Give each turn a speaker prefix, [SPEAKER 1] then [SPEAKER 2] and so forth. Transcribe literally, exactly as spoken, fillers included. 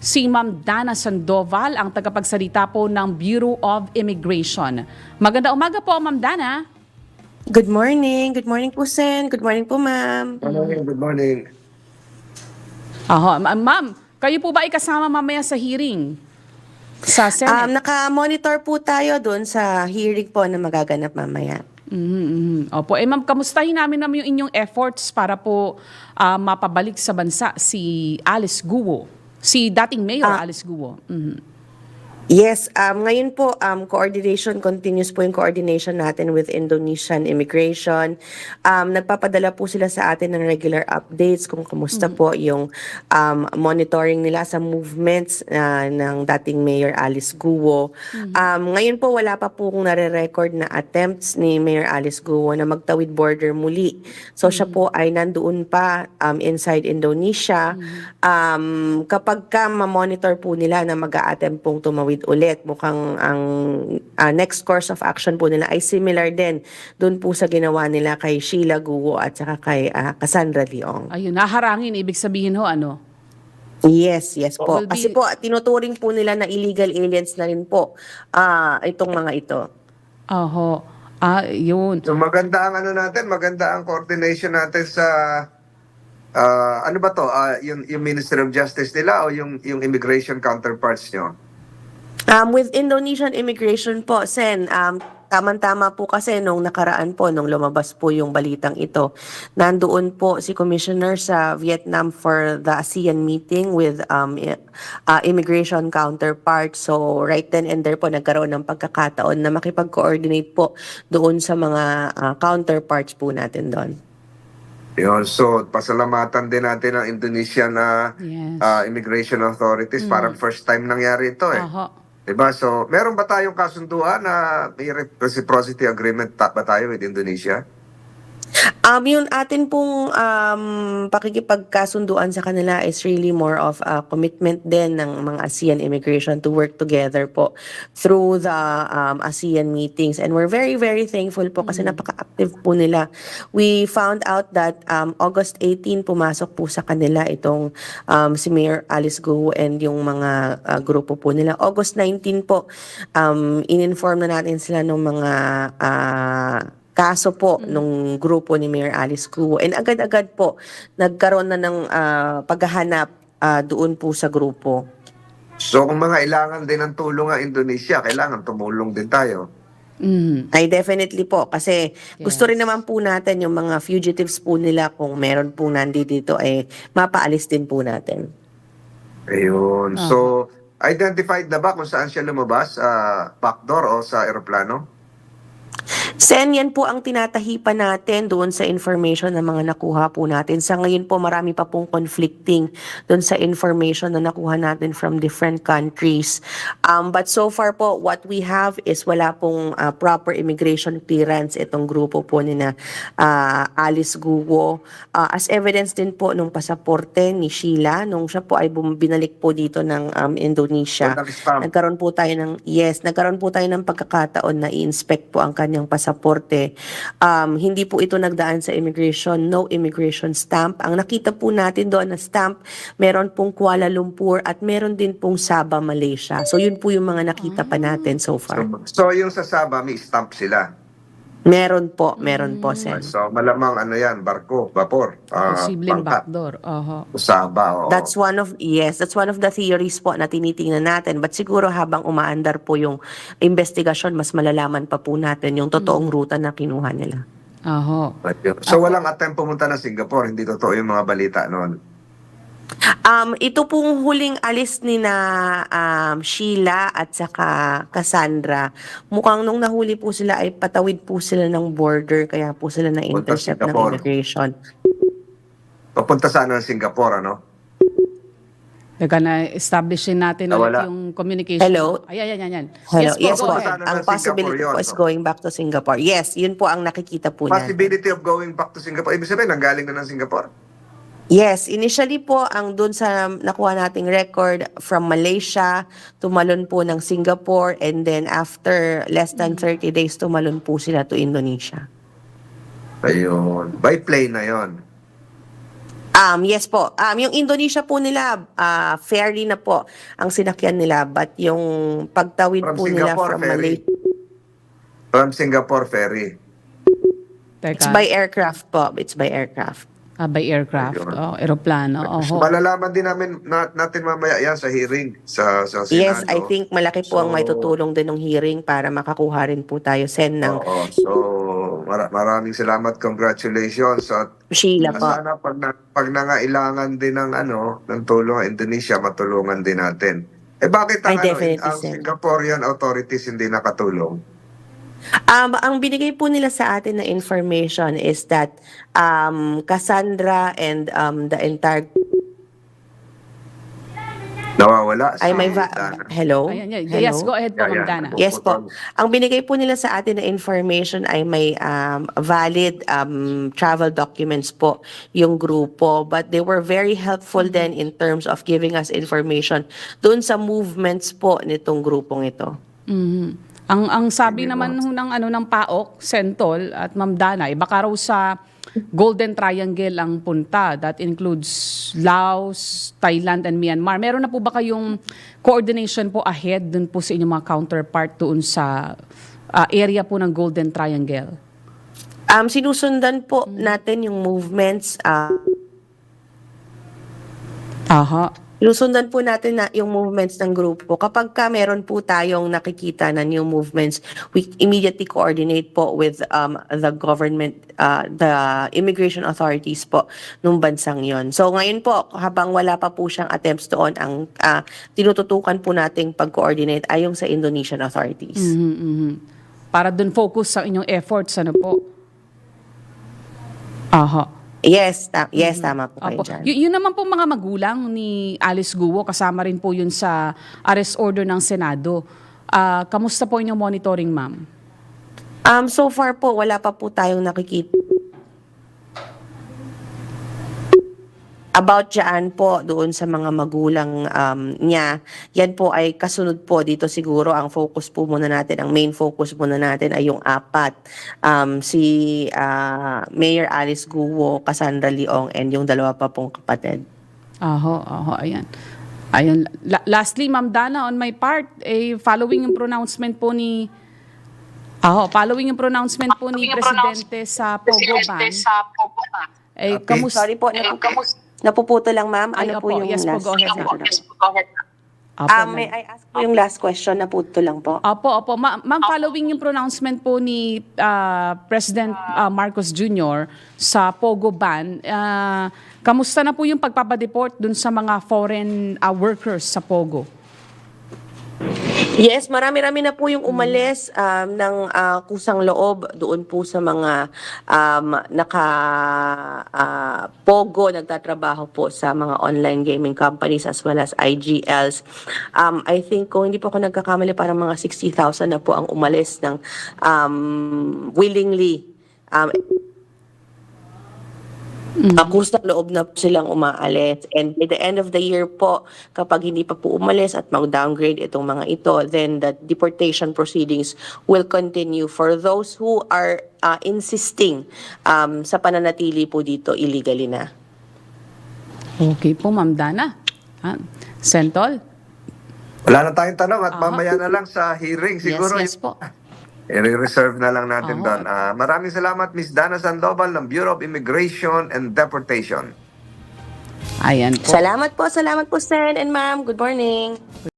[SPEAKER 1] si Ma'am Dana Sandoval, ang tagapagsalita po ng Bureau of Immigration. Maganda umaga po, Ma'am Dana.
[SPEAKER 2] Good morning. Good morning po, Sen. Good morning po, ma'am.
[SPEAKER 3] Good morning, good morning.
[SPEAKER 1] Aho, ma- Ma'am, kayo po ba ay kasama mamaya sa hearing sa
[SPEAKER 2] Um,
[SPEAKER 1] Senate?
[SPEAKER 2] naka-monitor po tayo doon sa hearing po na magaganap mamaya.
[SPEAKER 1] Mhm, mhm. Opo, eh ma'am, kamustahin namin naman yung inyong efforts para po ah, mapabalik sa bansa si Alice Guo, si dating Mayor
[SPEAKER 2] Ah.
[SPEAKER 1] Alice Guo. Mhm.
[SPEAKER 2] Yes, um, ngayon po, um, coordination, continuous po yung coordination natin with Indonesian Immigration. Um, nagpapadala po sila sa atin ng regular updates kung kumusta po yung um, monitoring nila sa movements uh, ng dating Mayor Alice Guo. Um, ngayon po, wala pa po kung nare-record na attempts ni Mayor Alice Guo na magtawid border muli. So siya po ay nandoon pa um, inside Indonesia. Um, kapag ka ma-monitor po nila na mag-a-attempt pong tumawid ulit, mukhang ang uh, next course of action po nila ay similar din doon po sa ginawa nila kay Sheila Guo at saka kay uh, Cassandra Leong.
[SPEAKER 1] Ayun, naharangin, ibig sabihin ho, ano?
[SPEAKER 2] Yes, yes po.
[SPEAKER 1] Will
[SPEAKER 2] Kasi
[SPEAKER 1] be-
[SPEAKER 2] po, tinuturing po nila na illegal aliens na rin po ah, itong mga ito.
[SPEAKER 1] Oho, ah, yun.
[SPEAKER 3] So maganda ang ano natin, maganda ang coordination natin sa ah, ano ba to? Ah, yung yung Ministry of Justice nila o yung yung immigration counterparts nyo?
[SPEAKER 2] Um, with Indonesian immigration po, Sen, um, tama-tama po kasi nung nakaraan po, nung lumabas po yung balitang ito, nandoon po si Commissioner sa Vietnam for the ASEAN meeting with um, i- uh, immigration counterparts. So right then and there po, nagkaroon ng pagkakataon na makipag-coordinate po doon sa mga uh, counterparts po natin doon.
[SPEAKER 3] Yun, so pasalamatan din natin ang Indonesian na
[SPEAKER 1] Yes.
[SPEAKER 3] ah, immigration authorities. Parang first time nangyari ito eh.
[SPEAKER 1] Oho.
[SPEAKER 3] Diba? So, meron ba tayong kasunduan na may reciprocity agreement ta- ba tayo with Indonesia?
[SPEAKER 2] Um, yung atin pong um, pakikipagkasunduan sa kanila is really more of a commitment din ng mga ASEAN immigration to work together po through the um, ASEAN meetings. And we're very, very thankful po kasi napaka-active po nila. We found out that um, August eighteenth pumasok po sa kanila itong um, si Mayor Alice Guo and yung mga uh, grupo po nila. August nineteenth po, um, in-inform na natin sila ng mga uh, kaso po nung grupo ni Mayor Alice Guo. And agad-agad po, nagkaroon na ng ah, paghahanap ah, doon po sa grupo.
[SPEAKER 3] So, kung mga ilangan din ng tulong ang Indonesia, kailangan tumulong din tayo.
[SPEAKER 1] Mhm.
[SPEAKER 2] Ay definitely po, kasi gusto rin
[SPEAKER 1] Yes.
[SPEAKER 2] naman po natin yung mga fugitives po nila kung meron po nandito ay mapaalis din po natin.
[SPEAKER 3] Ayun.
[SPEAKER 1] Ah.
[SPEAKER 3] So, identified na ba kung saan siya lumabas? Sa backdoor o sa aeroplano?
[SPEAKER 2] Sen, yan po ang tinatahipan natin doon sa information na mga nakuha po natin. Sa ngayon po, marami pa pong conflicting doon sa information na nakuha natin from different countries. Um, but so far po, what we have is wala pong uh, proper immigration clearance itong grupo po ni na uh, Alice Guo. Uh, as evidence din po nung pasaporte ni Sheila, nung siya po ay bum- binalik po dito ng um, Indonesia.
[SPEAKER 3] Walang stamp.
[SPEAKER 2] Nagkaroon po tayo ng, yes, nagkaroon po tayo ng pagkakataon na i-inspect po ang kanyang pasaporte. Um, hindi po ito nagdaan sa immigration, no immigration stamp. Ang nakita po natin doon na stamp, meron pong Kuala Lumpur at meron din pong Sabah, Malaysia. So yun po yung mga nakita pa natin so far.
[SPEAKER 3] So, so yung sa Sabah, may stamp sila.
[SPEAKER 2] Meron po, meron po, Sen.
[SPEAKER 3] So, malamang ano yan, barko, vapor, ah,
[SPEAKER 1] Posibleng
[SPEAKER 3] bangka.
[SPEAKER 1] backdoor. Oho.
[SPEAKER 3] Sabah, oo.
[SPEAKER 2] That's one of, yes, that's one of the theories po na tinitingnan natin. But siguro habang umaandar po yung investigasyon, mas malalaman pa po natin yung totoong ruta na kinuha nila.
[SPEAKER 1] Oho.
[SPEAKER 3] Ayun. So, walang attempt pumunta ng Singapore. Hindi totoo yung mga balita noon.
[SPEAKER 2] Um, ito pong huling alis ni na um, Sheila at saka Cassandra, mukhang nung nahuli po sila ay patawid po sila ng border, kaya po sila na-intercept ng
[SPEAKER 3] Singapore.
[SPEAKER 2] immigration.
[SPEAKER 3] Papunta sana ng Singapore, ano?
[SPEAKER 1] Teka na, establishin natin
[SPEAKER 3] Ah,
[SPEAKER 1] ulit
[SPEAKER 3] wala.
[SPEAKER 1] yung communication.
[SPEAKER 2] Hello?
[SPEAKER 1] Ay, ay, ay, ay.
[SPEAKER 2] Hello,
[SPEAKER 1] Yes po,
[SPEAKER 2] yes
[SPEAKER 1] go
[SPEAKER 2] po.
[SPEAKER 1] ahead.
[SPEAKER 3] Sana
[SPEAKER 2] Ang
[SPEAKER 3] ng
[SPEAKER 2] possibility
[SPEAKER 3] Singapore
[SPEAKER 2] po
[SPEAKER 3] yun,
[SPEAKER 2] is
[SPEAKER 3] no?
[SPEAKER 2] going back to Singapore. Yes, yun po ang nakikita po natin.
[SPEAKER 3] Possibility of going back to Singapore. Ibig sabihin, nanggaling na ng Singapore.
[SPEAKER 2] Yes, initially po ang dun sa nakuha nating record from Malaysia, tumalon po ng Singapore, and then after less than thirty days, tumalon po sila to Indonesia.
[SPEAKER 3] Ayun. By plane na yon.
[SPEAKER 2] Um, yes po. Um, yung Indonesia po nila, ah, ferry na po ang sinakyan nila. But yung pagtawid
[SPEAKER 3] From
[SPEAKER 2] po nila
[SPEAKER 3] Singapore,
[SPEAKER 2] from
[SPEAKER 3] ferry.
[SPEAKER 2] Malaysia,
[SPEAKER 3] From Singapore ferry.
[SPEAKER 2] it's
[SPEAKER 1] Teka,
[SPEAKER 2] by aircraft po. It's by aircraft.
[SPEAKER 1] ah, by aircraft,
[SPEAKER 3] Ayun.
[SPEAKER 1] oh, aeroplano.
[SPEAKER 3] So,
[SPEAKER 1] Oho.
[SPEAKER 3] malalaman din namin na, natin mamaya yan sa hearing sa sa Senado.
[SPEAKER 2] Yes, I think malaki po ang
[SPEAKER 3] So,
[SPEAKER 2] may tutulong din ng hearing para makakuha rin po tayo, Sen, ng
[SPEAKER 3] Oo. So, mara- maraming salamat. Congratulations. At
[SPEAKER 2] Sheila po.
[SPEAKER 3] sana pag, na, pag nangailangan din ng ano, ng tulong ang Indonesia, matulungan din natin. Eh bakit ang,
[SPEAKER 2] Ay,
[SPEAKER 3] ano,
[SPEAKER 2] definitely,
[SPEAKER 3] ang
[SPEAKER 2] sir.
[SPEAKER 3] Singaporean authorities hindi nakatulong?
[SPEAKER 2] Um, ang binigay po nila sa atin na information is that um, Cassandra and um, the entire...
[SPEAKER 3] Nawawala si
[SPEAKER 2] Ay, may va-
[SPEAKER 3] Dana.
[SPEAKER 2] Hello?
[SPEAKER 1] Ayan, yeah.
[SPEAKER 2] Hello?
[SPEAKER 1] Yes, go ahead po,
[SPEAKER 3] Yeah,
[SPEAKER 1] Ma'am
[SPEAKER 3] yeah.
[SPEAKER 1] Dana.
[SPEAKER 2] Yes po. Ang binigay po nila sa atin na information ay may um, valid um, travel documents po yung grupo. But they were very helpful then in terms of giving us information dun sa movements po nitong grupong ito.
[SPEAKER 1] Mhm. Ang ang sabi naman ho ng ano ng P A O K, Sentol at Ma'am Dana, eh, baka raw sa Golden Triangle ang punta. That includes Laos, Thailand, and Myanmar. Meron na po ba kayong coordination po ahead dun po sa inyong mga counterpart doon sa ah, area po ng Golden Triangle?
[SPEAKER 2] Um, sinusundan po natin yung movements. Uh,
[SPEAKER 1] Aha.
[SPEAKER 2] sinusundan po natin na yung movements ng grupo. Kapag ka meron po tayong nakikita na new movements, we immediately coordinate po with um, the government, uh, the immigration authorities po nung bansang yon. So ngayon po, habang wala pa po siyang attempts doon, ang uh, tinututukan po nating pag-coordinate ay yung sa Indonesian authorities.
[SPEAKER 1] Mhm, mhm. Para dun focus sa inyong efforts, ano po? Aha.
[SPEAKER 2] Yes, ta- yes, tama po kayo
[SPEAKER 1] Opo.
[SPEAKER 2] dyan.
[SPEAKER 1] Y- yun naman po mga magulang ni Alice Guo, kasama rin po yun sa arrest order ng Senado. Ah, kamusta po inyong monitoring, ma'am?
[SPEAKER 2] Um, so far po, wala pa po tayong nakikita. About dyan po, doon sa mga magulang um, niya, yan po ay kasunod po dito siguro. Ang focus po muna natin, ang main focus muna natin ay yung apat. Um, si ah, Mayor Alice Guo, Cassandra Leong, and yung dalawa pa pong kapatid.
[SPEAKER 1] Aho, aho, ayan. Ayun. La- lastly, Ma'am Dana, on my part, eh, following yung pronouncement po ni Aho, following yung pronouncement po ni Presidente sa Pogo Ban, eh, kamusta?
[SPEAKER 2] Sorry po, napu- napuputo lang ma'am.
[SPEAKER 1] Ay,
[SPEAKER 2] Ano
[SPEAKER 1] opo.
[SPEAKER 2] po yung
[SPEAKER 1] Yes po,
[SPEAKER 2] last
[SPEAKER 1] go ahead,
[SPEAKER 2] question?
[SPEAKER 1] Apo,
[SPEAKER 2] Um,
[SPEAKER 1] ma'am.
[SPEAKER 2] may I ask po yung last question? Naputo lang po.
[SPEAKER 1] Opo, opo. Ma- ma'am, following yung pronouncement po ni ah, President ah, Marcos Junior sa Pogo Ban, ah, kamusta na po yung pagpapadeport dun sa mga foreign ah, workers sa Pogo?
[SPEAKER 2] Yes, marami-rami na po yung umalis um, ng ah, kusang loob doon po sa mga um, naka ah, Pogo, nagtatrabaho po sa mga online gaming companies as well as I G Ls. Um, I think kung hindi po ako nagkakamali, parang mga sixty thousand na po ang umalis ng um, willingly. Um, Mm-hmm. Kusang loob na po silang umaalis. And by the end of the year po, kapag hindi pa po umalis at mag-downgrade itong mga ito, then the deportation proceedings will continue for those who are uh, insisting um, sa pananatili po dito illegally na.
[SPEAKER 1] Okay po, Ma'am Dana. Ah, Sentol?
[SPEAKER 3] Wala na tayong tanong at
[SPEAKER 1] Aha.
[SPEAKER 3] mamaya na lang sa hearing. Siguro
[SPEAKER 1] yes, yes po.
[SPEAKER 3] i-reserve na lang natin
[SPEAKER 1] Oo.
[SPEAKER 3] doon. Ah, maraming salamat, Miss Dana Sandoval ng Bureau of Immigration and Deportation.
[SPEAKER 1] Ayan po.
[SPEAKER 2] Salamat po, salamat po Sen and Ma'am. Good morning.